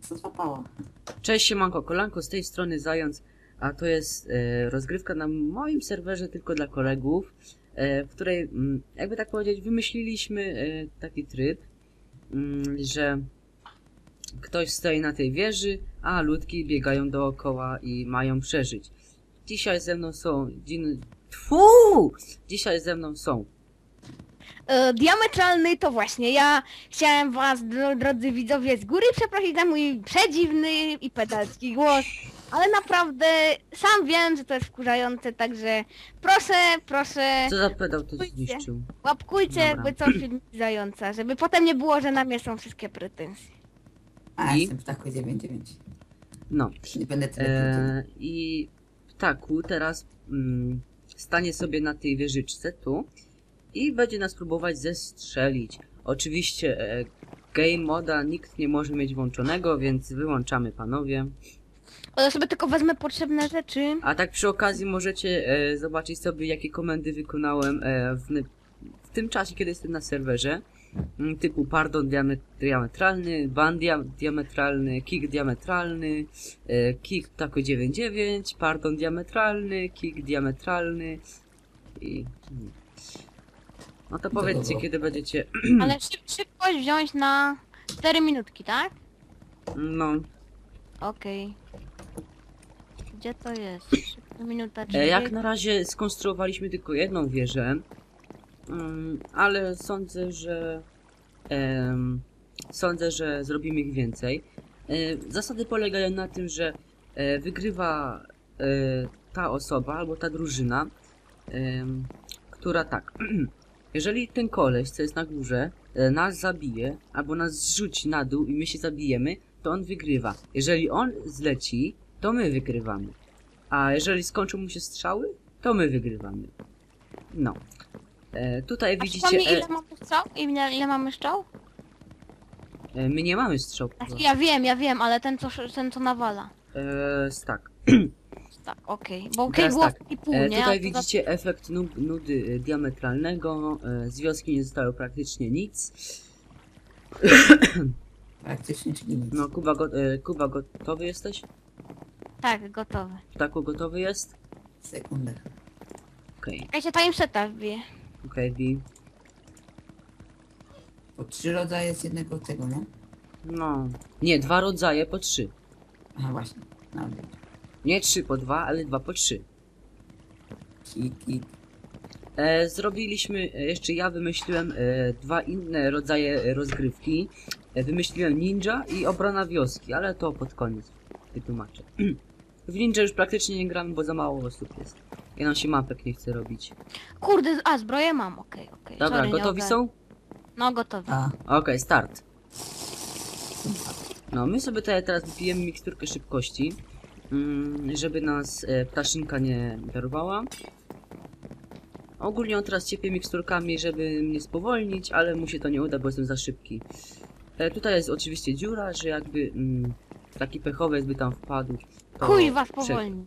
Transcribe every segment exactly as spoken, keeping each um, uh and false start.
co złapało. Cześć, siemanko, kolanko, z tej strony Zając, a to jest e, rozgrywka na moim serwerze tylko dla kolegów, e, w której, m, jakby tak powiedzieć, wymyśliliśmy e, taki tryb, m, że ktoś stoi na tej wieży, a ludki biegają dookoła i mają przeżyć. Dzisiaj ze mną są... Dzin... Tfu! Dzisiaj ze mną są... E, diametralny to właśnie ja chciałem was, dro, drodzy widzowie, z góry przeprosić za mój przedziwny i pedalski głos, ale naprawdę sam wiem, że to jest wkurzające, także proszę, proszę, Co za pedał to Pójdźcie. zniszczył? łapkujcie Dobra. jakby coś filmiki Zająca, żeby potem nie było, że na mnie są wszystkie pretensje. A, I? jestem ptaku dziewięć dziewięć. No. Nie będę tyle E, I ptaku teraz mm, stanie sobie na tej wieżyczce tu i będzie nas próbować zestrzelić. Oczywiście e, game moda nikt nie może mieć włączonego, więc wyłączamy, panowie. Ale sobie tylko wezmę potrzebne rzeczy. A tak przy okazji możecie e, zobaczyć sobie, jakie komendy wykonałem e, w, w tym czasie, kiedy jestem na serwerze. Mm, Typu pardon diame- diametralny, ban dia- diametralny, kick diametralny, e, kick ptako dziewięć dziewięć, pardon diametralny, kick diametralny i... mm. No to powiedzcie, Dobra. kiedy będziecie... Ale szyb, szybkość wziąć na cztery minutki, tak? No, Okej. Gdzie to jest? Szybko, minuta e, jak dźwięk. na razie skonstruowaliśmy tylko jedną wieżę, mm, ale sądzę, że... em, sądzę, że zrobimy ich więcej. E, zasady polegają na tym, że e, wygrywa e, ta osoba albo ta drużyna, em, która tak... Jeżeli ten koleś, co jest na górze, e, nas zabije, albo nas zrzuci na dół i my się zabijemy, to on wygrywa. Jeżeli on zleci, to my wygrywamy. A jeżeli skończą mu się strzały, to my wygrywamy. No. E, tutaj A widzicie... przypomnij, E, ile mamy strzał? Ile, ile mamy strzał? e, my nie mamy strzał. Znaczy, ja wiem, ja wiem, ale ten co, ten co nawala. E, tak. Tak, okej. Bo okej, Teraz było tak, i pół, E, nie? tutaj A to widzicie efekt nu nudy e, diametralnego. E, z wioski nie zostało praktycznie nic. Praktycznie, czyli nic. No, Kuba, go e, Kuba gotowy jesteś? Za... Tak, gotowe. Ptaku gotowy jest? Sekundę. Okej, Ja się timeseta wbiję. okej, Wi. Po trzy rodzaje z jednego tego, nie? No. Nie, dwa rodzaje po trzy. Aha, właśnie. No, dobra. Nie trzy po dwa, ale dwa po trzy. Kik, kik. E, zrobiliśmy, e, jeszcze ja wymyśliłem e, dwa inne rodzaje rozgrywki. E, wymyśliłem ninja i obrona wioski, ale to pod koniec wytłumaczę. W ninja już praktycznie nie gramy, bo za mało osób jest. Ja nam się mapek nie chce robić. Kurde, a zbroję mam, okej, okej. Dobra, Sorry, nie gotowi ogar- są? No, gotowi. A, Okej, start. No, my sobie tutaj teraz wypijemy miksturkę szybkości, mm, żeby nas e, ptaszynka nie darowała. Ogólnie on teraz ciepie miksturkami, żeby mnie spowolnić, ale mu się to nie uda, bo jestem za szybki. E, tutaj jest oczywiście dziura, że jakby mm, taki pechowiec by tam wpadł. to Chuj was prze- powolni.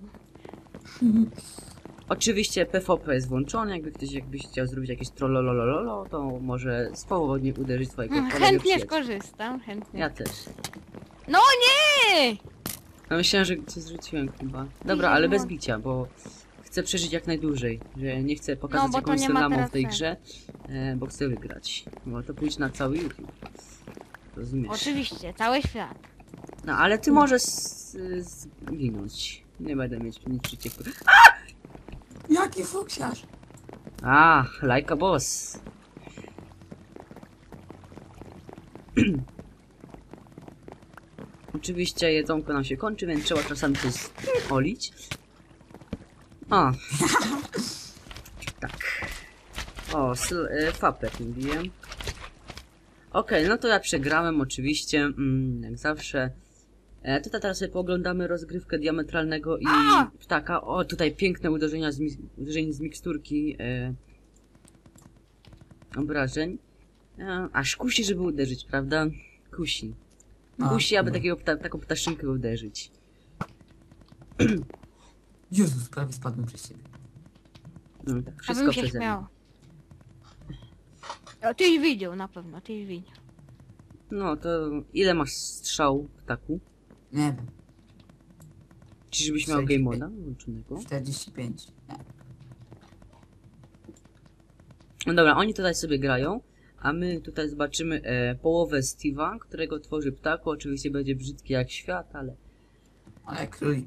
Oczywiście P V P jest włączony, jakby ktoś jakbyś chciał zrobić jakieś trollolololo, to może swobodnie uderzyć twojego Mm, kolegę Chętnie przyjaciela. skorzystam, chętnie. Ja też. No nie! Ja myślałem, że cię zrzuciłem chyba. Dobra, ale bez bicia, bo chcę przeżyć jak najdłużej. Że nie chcę pokazać No, bo to jakąś nie ma scenamą teraz w tej sensu. grze, e, bo chcę wygrać. Bo to pójść na cały YouTube. Rozumiesz? Oczywiście, cały świat. No, ale ty możesz s- zginąć. Nie będę mieć nic przeciwko. jaki fuksiarz! A, like a boss. Oczywiście jedzonko nam się kończy, więc trzeba czasami coś olić. O. Tak. O, sl- e, fapek mówiłem. Okej, no to ja przegrałem oczywiście, mm, jak zawsze. E, tutaj teraz sobie pooglądamy rozgrywkę diametralnego i A! ptaka. O, tutaj piękne uderzenia z, mi- uderzeń z miksturki e, obrażeń. E, aż kusi, żeby uderzyć, prawda? Kusi. No, Kusi, aby dobra. takiego pta taką ptaszynkę uderzyć. Jezus, prawie spadłem przez ciebie. No, tak, wszystko Abym się przeze mnie. śmiał. O, tyś widział na pewno, tyś widział. No to ile masz strzał, ptaku? Nie wiem. Czyżbyś miał game moda włączonego? czterdzieści pięć. Nie. No dobra, oni tutaj sobie grają, a my tutaj zobaczymy e, połowę Steve'a, którego tworzy ptaku. Oczywiście będzie brzydki jak świat, ale... Ale królik.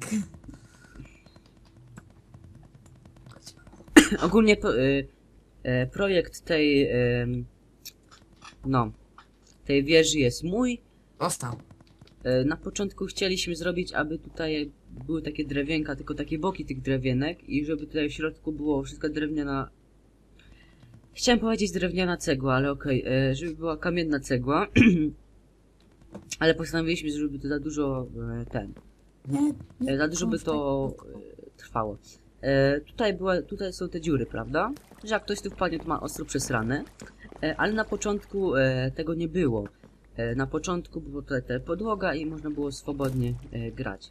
Ogólnie po, e, e, projekt tej... E, no... tej wieży jest mój. Dostał. E, na początku chcieliśmy zrobić, aby tutaj były takie drewienka, tylko takie boki tych drewienek i żeby tutaj w środku było wszystko drewniana... Chciałem powiedzieć drewniana cegła, ale okej, okay, żeby była kamienna cegła. Ale postanowiliśmy, żeby to za dużo e, ten... Nie, nie. E, za dużo by to e, trwało. E, tutaj, była, tutaj są te dziury, prawda? Że jak ktoś tu wpadnie, to ma ostro przesrane. E, ale na początku e, tego nie było. E, na początku była tutaj ta podłoga i można było swobodnie e, grać.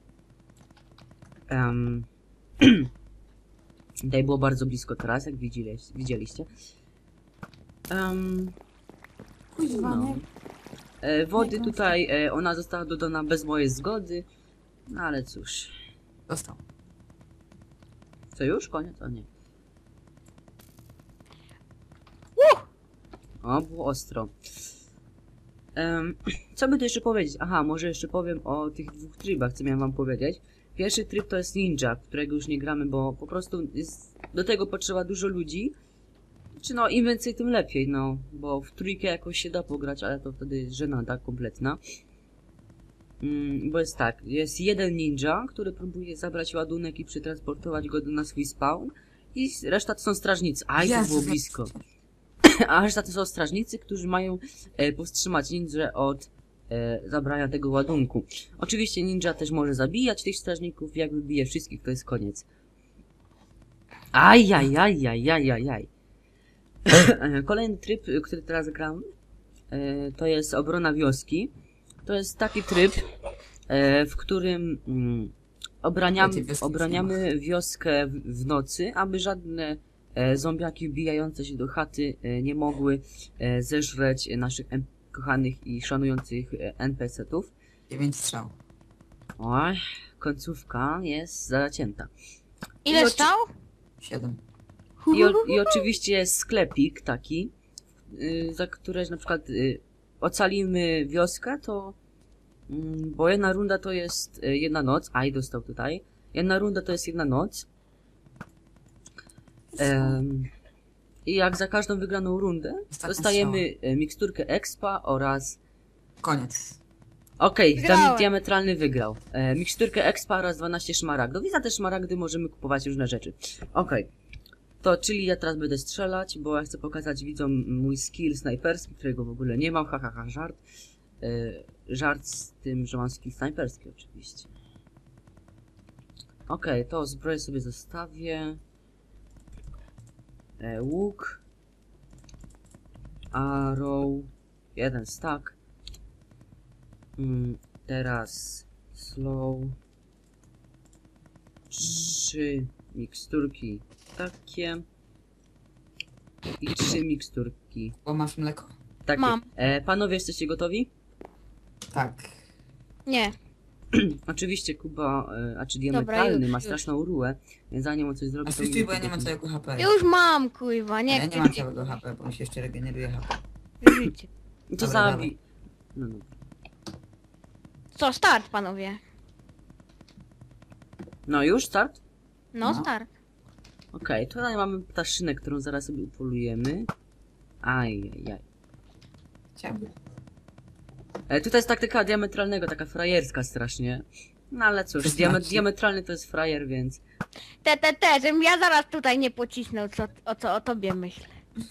Um, tutaj było bardzo blisko teraz, jak widzieliście. widzieliście. Um, Kuźwa, no. nie. e, wody tutaj, e, ona została dodana bez mojej zgody. No ale cóż. Dostał. Co już? Koniec? O nie. O, było ostro. Um, co by tu jeszcze powiedzieć? Aha, może jeszcze powiem o tych dwóch trybach, co miałem wam powiedzieć. Pierwszy tryb to jest ninja, w którego już nie gramy, bo po prostu jest, do tego potrzeba dużo ludzi. Czy no, im więcej, tym lepiej, no. Bo w trójkę jakoś się da pograć, ale to wtedy jest żenada kompletna. Mm, bo jest tak, jest jeden ninja, który próbuje zabrać ładunek i przetransportować go do na swój spawn. I reszta to są strażnicy. Aj, to Jezu, było jak- blisko. A reszta to są strażnicy, którzy mają e, powstrzymać ninja od e, zabrania tego ładunku. Oczywiście ninja też może zabijać tych strażników, jak wybije wszystkich, to jest koniec. Ajajajajajajaj. Kolejny tryb, który teraz gram, e, to jest obrona wioski. To jest taki tryb, e, w którym mm, obraniamy, Wiecie, wioski obraniamy wioskę w, w nocy, aby żadne e, zombiaki wbijające się do chaty e, nie mogły e, zeżreć naszych em, kochanych i szanujących e, en pe ce ów. dziewięć strzał. Oj, końcówka jest zacięta. I Ile oczy- stał? siedem. I, o, I oczywiście jest sklepik taki, y, za które na przykład y, ocalimy wioskę, to... Mm, bo jedna runda to jest y, jedna noc. Aj, dostał tutaj. Jedna runda to jest jedna noc. Em, I jak za każdą wygraną rundę Ostatnia dostajemy y, miksturkę expa oraz... Koniec. Okej, okay, Wygrałem. diametralny wygrał. E, miksturkę expa oraz dwanaście szmaragdów. I za te szmaragdy możemy kupować różne rzeczy. Okej. Okay. To, czyli ja teraz będę strzelać, bo ja chcę pokazać widzom mój skill snajperski, którego w ogóle nie mam, hahaha, ha, ha, żart. E, żart z tym, że mam skill snajperski oczywiście. Okej, okay, to zbroję sobie zostawię. E, łuk. Arrow. Jeden stack. Mm, teraz slow. Trzy miksturki takie. I trzy miksturki. Bo masz mleko? Takie. Mam. E, panowie, jesteście gotowi? Tak. Nie. Oczywiście Kuba, e, a czy Dobra, diametralny, już, ma już. straszną rułę, więc zanim on coś zrobi, A to... stój, bo ja nie mam całego ha pe. Już mam, kurwa, nie Ja nie chcę mam cię całego ha pe, bo mi się jeszcze regeneruje ha pe. życie. To Dobra, zabij. No, no. Co, start, panowie. no już, start? No, No. start. Okej, tutaj mamy ptaszynę, którą zaraz sobie upolujemy. Ajajaj. Chciałbym. E, tutaj jest taktyka diametralnego, taka frajerska strasznie. No ale cóż, To diame znaczy? diametralny to jest frajer, więc... Te, te, te, żebym ja zaraz tutaj nie pocisnął, co, o co o tobie myślę.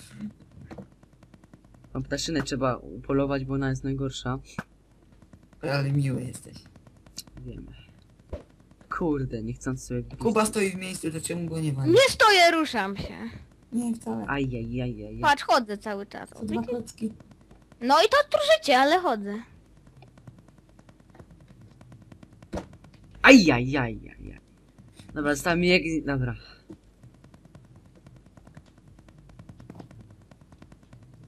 Tą ptaszynę trzeba upolować, bo ona jest najgorsza. Ale miły jesteś. Wiemy. Kurde, nie chcąc sobie... Kuba stoi w miejscu, to czemu go nie wali? Nie stoję, ruszam się. Nie, wcale. Ajajajaj. Patrz, chodzę cały czas. To dwa klocki. No i to trużycie, ale chodzę. Ajajajajaj. Dobra, zostałem jak... Dobra.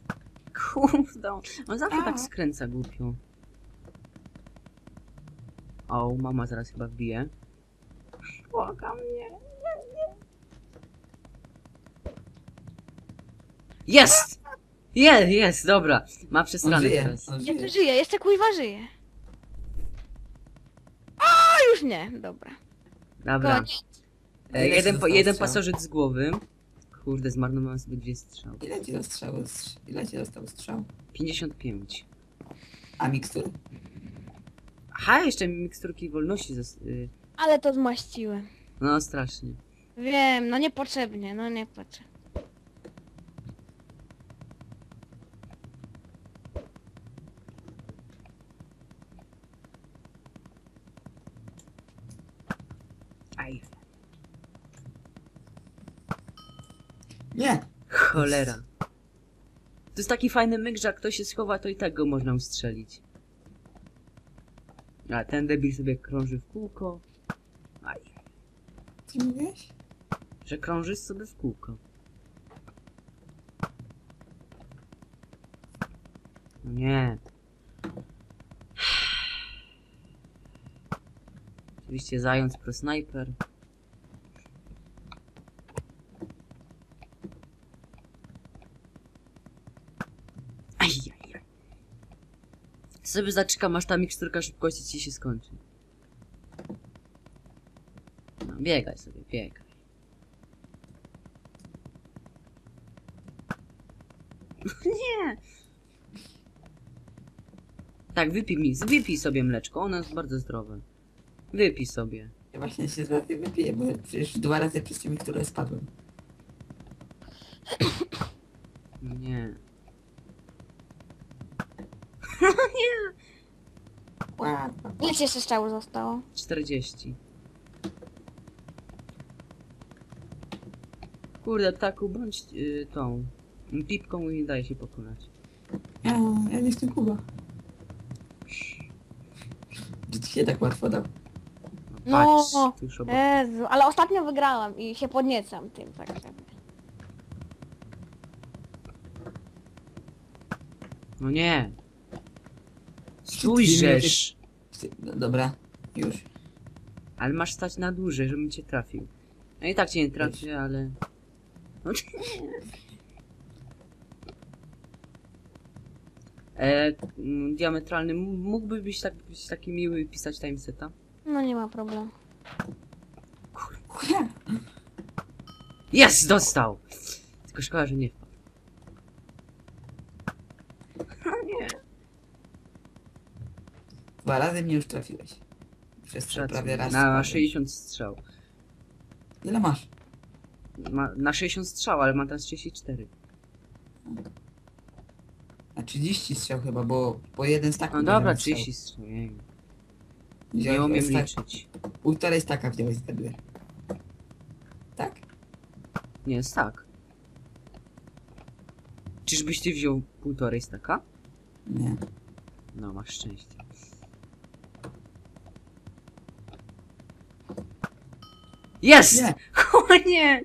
Kurde, on zawsze tak skręca głupio. O, mama zaraz chyba wbije. Błagam mnie. Jest! Jest, jest, dobra. Ma On przesrany żyje, teraz. on Jeszcze żyje. żyje, jeszcze kuźwa żyje. A już nie, dobra. Dobra. Koniec. E, Ile jeden, ci po, zostało jeden strzał? pasożyt z głowy. Kurde, zmarnowałem sobie dwie strzały. Ile ci zostało strz- Ile ci został strzał? pięćdziesiąt pięć. A mikstury? Aha, jeszcze mi miksturki wolności zas- y, Ale to zmaściłem. No, strasznie. Wiem, no niepotrzebnie, no niepotrzebnie. Aj, Nie! cholera. To jest taki fajny myk, że jak ktoś się schowa, to i tak go można ustrzelić. A ten debil sobie krąży w kółko. Aj, Co mówiłeś? że krążysz sobie w kółko. No nie. Oczywiście zając pro snajper. Ajajaj. Sobie zaczekam, aż ta miksturka szybkości ci się skończy. No, biegaj sobie, biegaj. Nie! Tak, wypij mi, wypij sobie mleczko, ono jest bardzo zdrowe. Wypij sobie. Ja właśnie się zaraz je wypiję, bo przecież dwa razy przez ciebie, które spadłem. No nie. Ła, Ile ci jeszcze strzału zostało? czterdzieści. Kurde, taku, bądź y, tą pipką i nie daje się pokonać. Ja, ja nie jestem Kuba. Że ci się tak łatwo dał. No, No, patrz, tuż obok. Jezu, ale ostatnio wygrałam i się podniecam tym, także. No nie. Dwie minuty. Spójrzesz. No, dobra, już. Ale masz stać na dłużej, żebym cię trafił. No i tak cię nie trafię, ale... No, e, mm, diametralny, m- mógłby być, tak, być taki miły i pisać timeseta? No nie ma problemu. Ła, Jest! Dostał! Tylko szkoda, że nie wpadł. Nie. dwa razy mnie już trafiłeś. Przez trzy prawie raz. Na spadłem. sześćdziesiąt strzał. Ile masz? Ma, na sześćdziesiąt strzał, ale ma teraz trzydzieści cztery. Na trzydzieści strzał chyba, bo po jeden stak. No dobra, trzydzieści strzał. Jej. Nie umiem liczyć. Półtorej staka wziąłeś z Edgar. Tak? Nie, jest tak. Czyżbyś ty wziął półtorej staka? Nie. No, masz szczęście. Jest! Nie. O nie!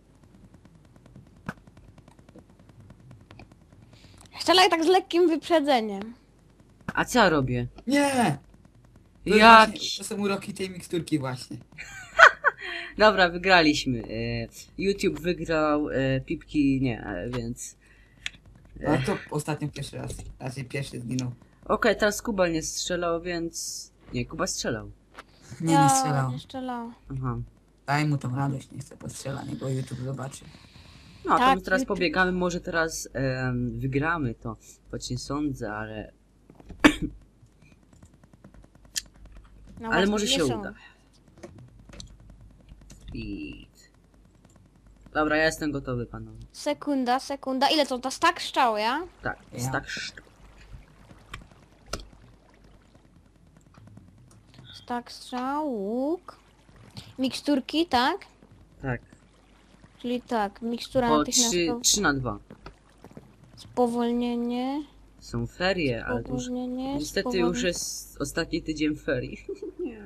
Strzelaj tak z lekkim wyprzedzeniem. A co ja robię? Nie! To jest Jak? właśnie- To są uroki tej miksturki właśnie. Dobra, wygraliśmy. E, YouTube wygrał, e, Pipki nie, e, więc... A to ostatnio pierwszy raz. Raczej pierwszy zginął. Okej, teraz Kuba nie strzelał, więc... Nie, Kuba strzelał. Nie, ja nie strzelał. nie strzelałam. Aha. Daj mu tą radość, nie chcę postrzelać, bo YouTube zobaczy. No, to Tak, my teraz YouTube. pobiegamy, może teraz em, wygramy to. Choć nie sądzę, ale... No ale właśnie, może nie się są. uda. Speed. Dobra, ja jestem gotowy, panowie. Sekunda, sekunda. Ile to? To stak strzał, ja? Tak, jest Ja. tak sztuk. Stak strzał, łuk. Miksturki, tak? Tak. Czyli tak, mikstura Po trzy, natychmiastowa. trzy na dwa. Spowolnienie, Są ferie, ale to już... spowolnienie, Niestety spowolnienie. już jest ostatni tydzień ferii. Nie.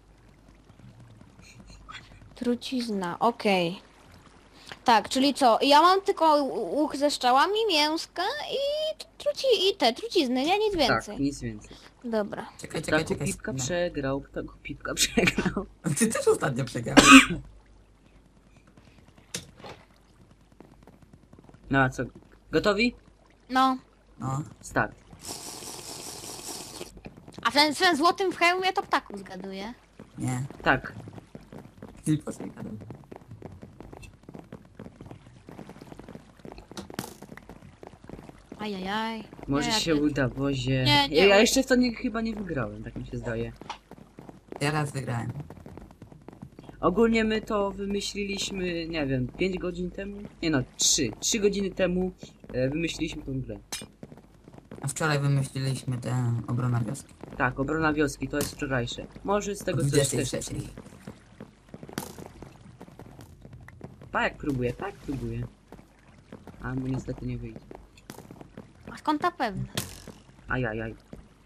Trucizna, okej. Tak, czyli co? Ja mam tylko łuk ze strzałami, mięska i, truci i te trucizny, nie? Nic Tak, więcej. nic więcej. Dobra. Czekaj, czekaj, Ptaku czekaj. Pipka No. przegrał, ptaku Pipka przegrał. Ty też ostatnio przegrałeś. No a co? Gotowi? No. No. Start. A ten, ten złotym w hełmie to ptaku zgaduje. Nie. Tak. Tylko sobie gadam. Ajajaj. Może Nie, się ty- uda, Bozie. Nie, nie ja, ja uda. jeszcze w to nie, chyba nie wygrałem, tak mi się zdaje. Ja raz wygrałem. Ogólnie my to wymyśliliśmy, nie wiem, pięć godzin temu? Nie no, trzy. trzy godziny temu e, wymyśliliśmy tą grę. A wczoraj wymyśliliśmy tę obronę wioski. Tak, obrona wioski, to jest wczorajsze. Może z O tego coś dwudziestej też... trzeciej. Tak, próbuję, tak, próbuję. A mu niestety nie wyjdzie. A skąd ta pewna? Ajajaj.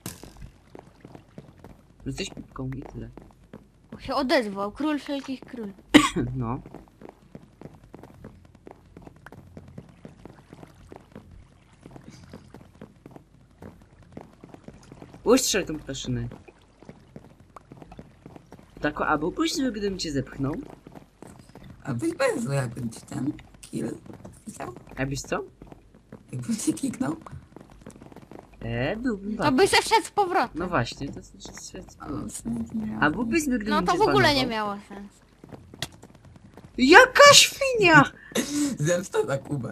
Jesteś pipką i tyle. Się odezwał. Król wszelkich król. No. Ustrzel tą ptaszynę. Tak, a byłbyś zły, gdybym cię zepchnął? A byś bardzo jakbym ci ten kill wpisał? A byś co? Jakbym ci kliknął? E, byłbym To bardzo. by se wszedł z powrotem. No właśnie, to jest... A, w sumie to nie A byłbyś zły, gdybym No to cię w ogóle zbanował? nie miało sensu. Jaka świnia! Zemsta za Kubę.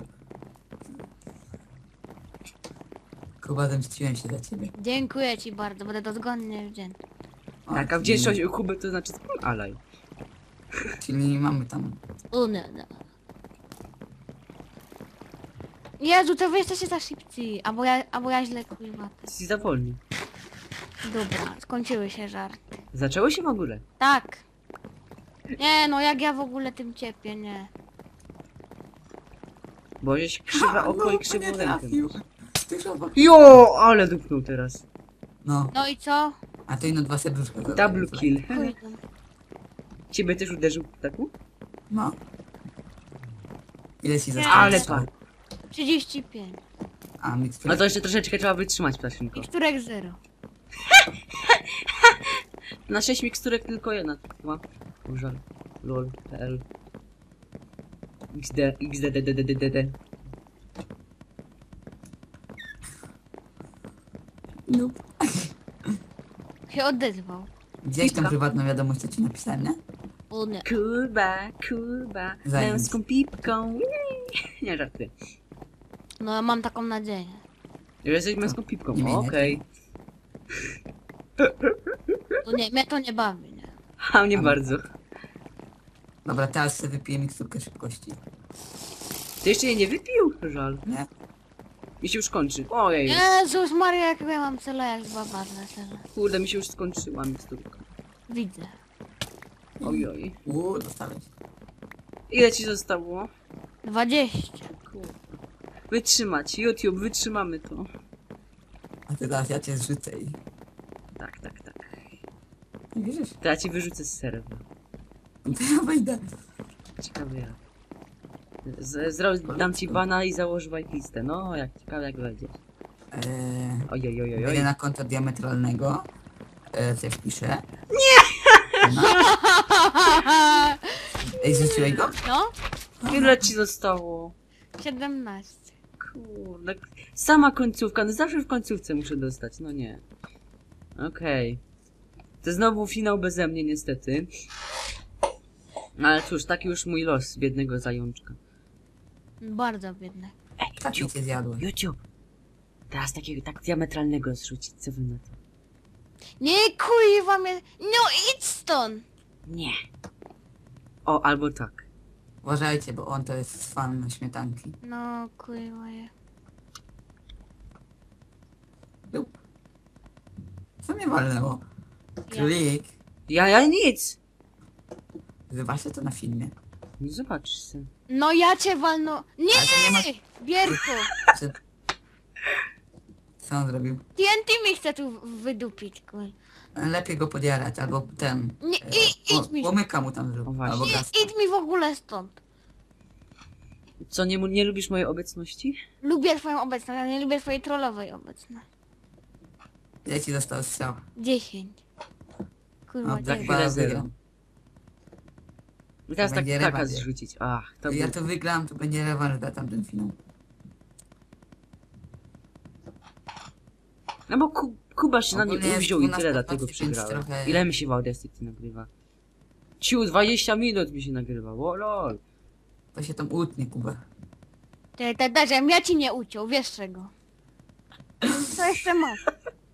Kuba, zemściłem się za ciebie. Dziękuję ci bardzo, będę dozgonnie wdzięczny. O, Tak, a czyli- wdzięczność u Kuby to znaczy alaj. Czyli mamy tam... O nie, nie. Jezu, to wy jesteście za szybcy. Albo ja, albo ja źle kurwa. Jesteś za wolny. Dobra, skończyły się żarty. Zaczęło się w ogóle. Tak. Nie no, jak ja w ogóle tym ciepię, nie. Bo żeś krzywa oko no, i to krzywą nie rękę. trafił. Ty szobak. Jo, ale dupnął teraz. No, No i co? a ty no dwa serduszka. Double kill. Kurde. Ciebie też uderzył ptaku? No. Ile ci Nie. zostało? Ale pan. trzydzieści pięć. A, mikstura. No to jeszcze troszeczkę trzeba wytrzymać, ptaszynko. Miksturek zero. Na sześć miksturek tylko jedna ma. Żal. Lol. L. XD. XD. D, D, D, D, D, D. No. Się odezwał. Gdzieś tam Pipka. prywatną wiadomość, co ci napisałem, nie? O nie. Kuba, Kuba. Zajęć. Męską pipką. Nie żarty. No ja mam taką nadzieję. Że jesteś męską pipką. Nie mienię. Okej. To nie, mnie to nie bawi, nie. A mnie Ale- bardzo. Dobra, teraz sobie wypiję miksturkę szybkości. Ty jeszcze jej nie wypił? Żal. Nie? Mi się już kończy. Ojej. Jezus Maria, jak ja mam cele jak baba na cele. Kurde, mi się już skończyła miksturka. Widzę. Ojoj. Uuu, dostałeś. Ile ci zostało? dwadzieścia. Kurde. Wytrzymać. YouTube, wytrzymamy to. A ty teraz ja cię zrzucę i... Tak, tak, tak. Nie wierzysz? To ja ci wyrzucę z serwa. To ja wejdę. Ciekawe jak. Z, zro, dam ci bana i założę whitelistę. No, jak ciekawe jak wejdziesz. Eee, Ojej, ojej, wejdę ojej. na konto diametralnego. Eee, co ja wpiszę? Nie! No. Ej, zrzuciłeś go? No? Ile ci zostało? siedemnaście. Kurde. Sama końcówka. No zawsze w końcówce muszę dostać. No nie. Okej. To znowu finał beze mnie niestety. Ale cóż, taki już mój los biednego zajączka. Bardzo biedne. Ej, Tak mi cię zjadłem. YouTube. Teraz takiego tak diametralnego zrzucić, co wy na to? Nie kurwa mnie. No idź stąd. Nie. O, albo tak. Uważajcie, bo on to jest fan śmietanki. No kurwa je. Dup. Co mnie walnęło? Królik. Ja, ja nic. Zobaczcie to na filmie. No zobaczysz se. No ja cię walno. Nie! Ale to nie ma... Bierku! Czy... Co on zrobił? T N T mi chce tu wydupić, kur. Lepiej go podjarać, albo ten... Nie, e, i- idź ło- mi. Łomyka mu tam O zrób, właśnie. albo I, gaz. idź mi w ogóle stąd. Co, nie, nie lubisz mojej obecności? Lubię twoją obecność, ale nie lubię twojej trollowej obecności. Ile ci został strzał? dziesięć. Kurwa, No, dziewięć. Black Ile Ball zero? wygrał. I teraz tak Będzie taka rewanż. zrzucić. Ach, to Ja był... to wygram, to będzie rewanż za tamten finał. No bo Ku Kuba się na mnie Ogólnie jest uwziął i tyle, dwunasta dlatego dwadzieścia pięć przegrałem. trochę- Ile mi się w Audacity nagrywa? Ciu, dwadzieścia minut mi się nagrywa, o lol. To się tam utnie, Kuba. Te, te, te, żebym ja ci nie uciął, wiesz czego. Co jeszcze masz?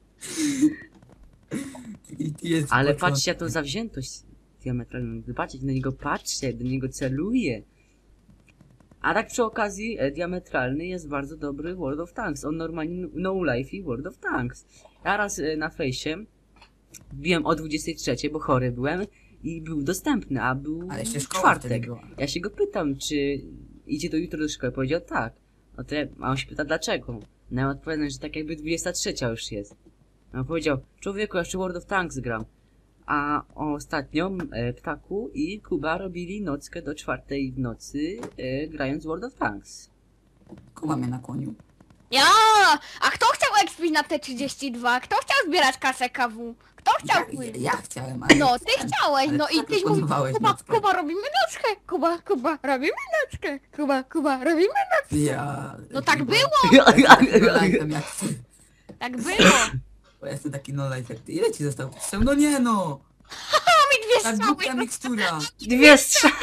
I ty jest Ale początek. patrzcie, to zawziętość diametralną. Patrzcie, na niego patrzcie, do niego celuję. A tak przy okazji, e, diametralny jest bardzo dobry World of Tanks. On normalnie no life i World of Tanks. Ja raz e, na fejsie wbiłem o dwudziestej trzeciej, bo chory byłem i był dostępny, a był Ale jeszcze szkoła wtedy czwartek. była. Ja się go pytam, czy idzie do jutro do szkoły. Powiedział tak. No to ja, a on się pyta dlaczego. No ja odpowiadam, że tak jakby dwudziesta trzecia już jest. A on powiedział, człowieku, ja jeszcze World of Tanks gram. A ostatnio e, Ptaku i Kuba robili nockę do czwartej w nocy, e, grając World of Tanks. Kuba mnie nakłonił. Ja! A kto chciał expić na T trzydzieści dwa? Kto chciał zbierać kasę K W? Kto chciał Ja, płyć? ja, ja chciałem, ale... No, ty chciałeś, ale no ty i tyś mówił, proponowałeś Kuba, nockę. Kuba, robimy nockę, Kuba, Kuba, robimy nockę, Kuba, Kuba, robimy nockę. Ja... No tak Kuba, było, ja jestem no life'em jak ty. tak było. Bo ja jestem taki no life jak ty. Ile ci został strzał? No nie no! Mi dwie Ta strzały. głupia mikstura! Dwie strzały!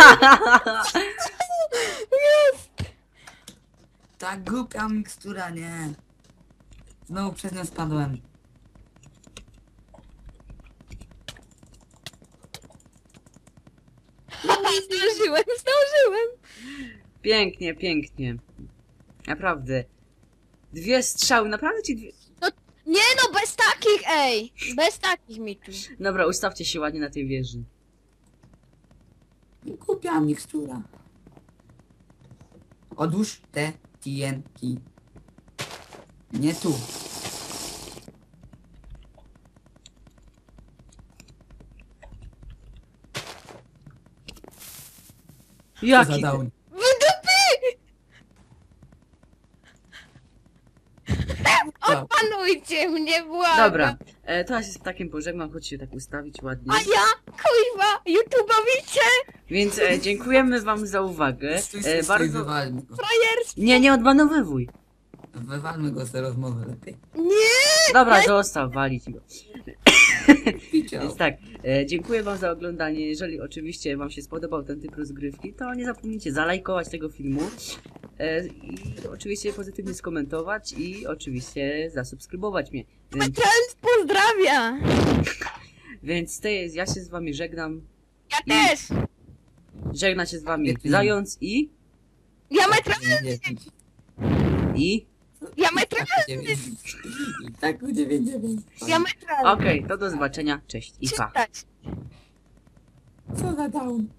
Ta głupia mikstura, nie! Znowu przez nią spadłem. Zdążyłem, zdążyłem. Pięknie, pięknie. Naprawdę. Dwie strzały, naprawdę ci dwie... Nie no, bez takich, ej. Bez takich mi tu. Dobra, ustawcie się ładnie na tej wieży. Głupia mikstura. Odłóż te T N T. Nie tu. Co za Jaki... down. Odpanujcie mnie, błagam. Dobra, e, teraz jest ptakiem pożegnam, chodź się tak ustawić ładnie. A ja, kuźwa, YouTube'owicie, Więc e, dziękujemy wam za uwagę. Stój, E, stój, stój, bardzo... wywalmy go. frajerstwo. Nie, nie odbanowywuj. Wywalmy go z tej rozmowy lepiej. Nie. Dobra, zostaw, walić go. Widział. Więc tak, e, dziękuję wam za oglądanie. Jeżeli oczywiście wam się spodobał ten typ rozgrywki, to nie zapomnijcie zalajkować tego filmu. E, I oczywiście pozytywnie skomentować i oczywiście zasubskrybować mnie. Więc, Trans pozdrawia. więc te, ja się z wami żegnam. Ja I- też. Żegna się z wami Świetnie. Zając i... Diametralny, i... diametralny, I tak u dziewięć dziewięć. diametralny. Okej, to do zobaczenia. Cześć i pa. Czytać. Co za down.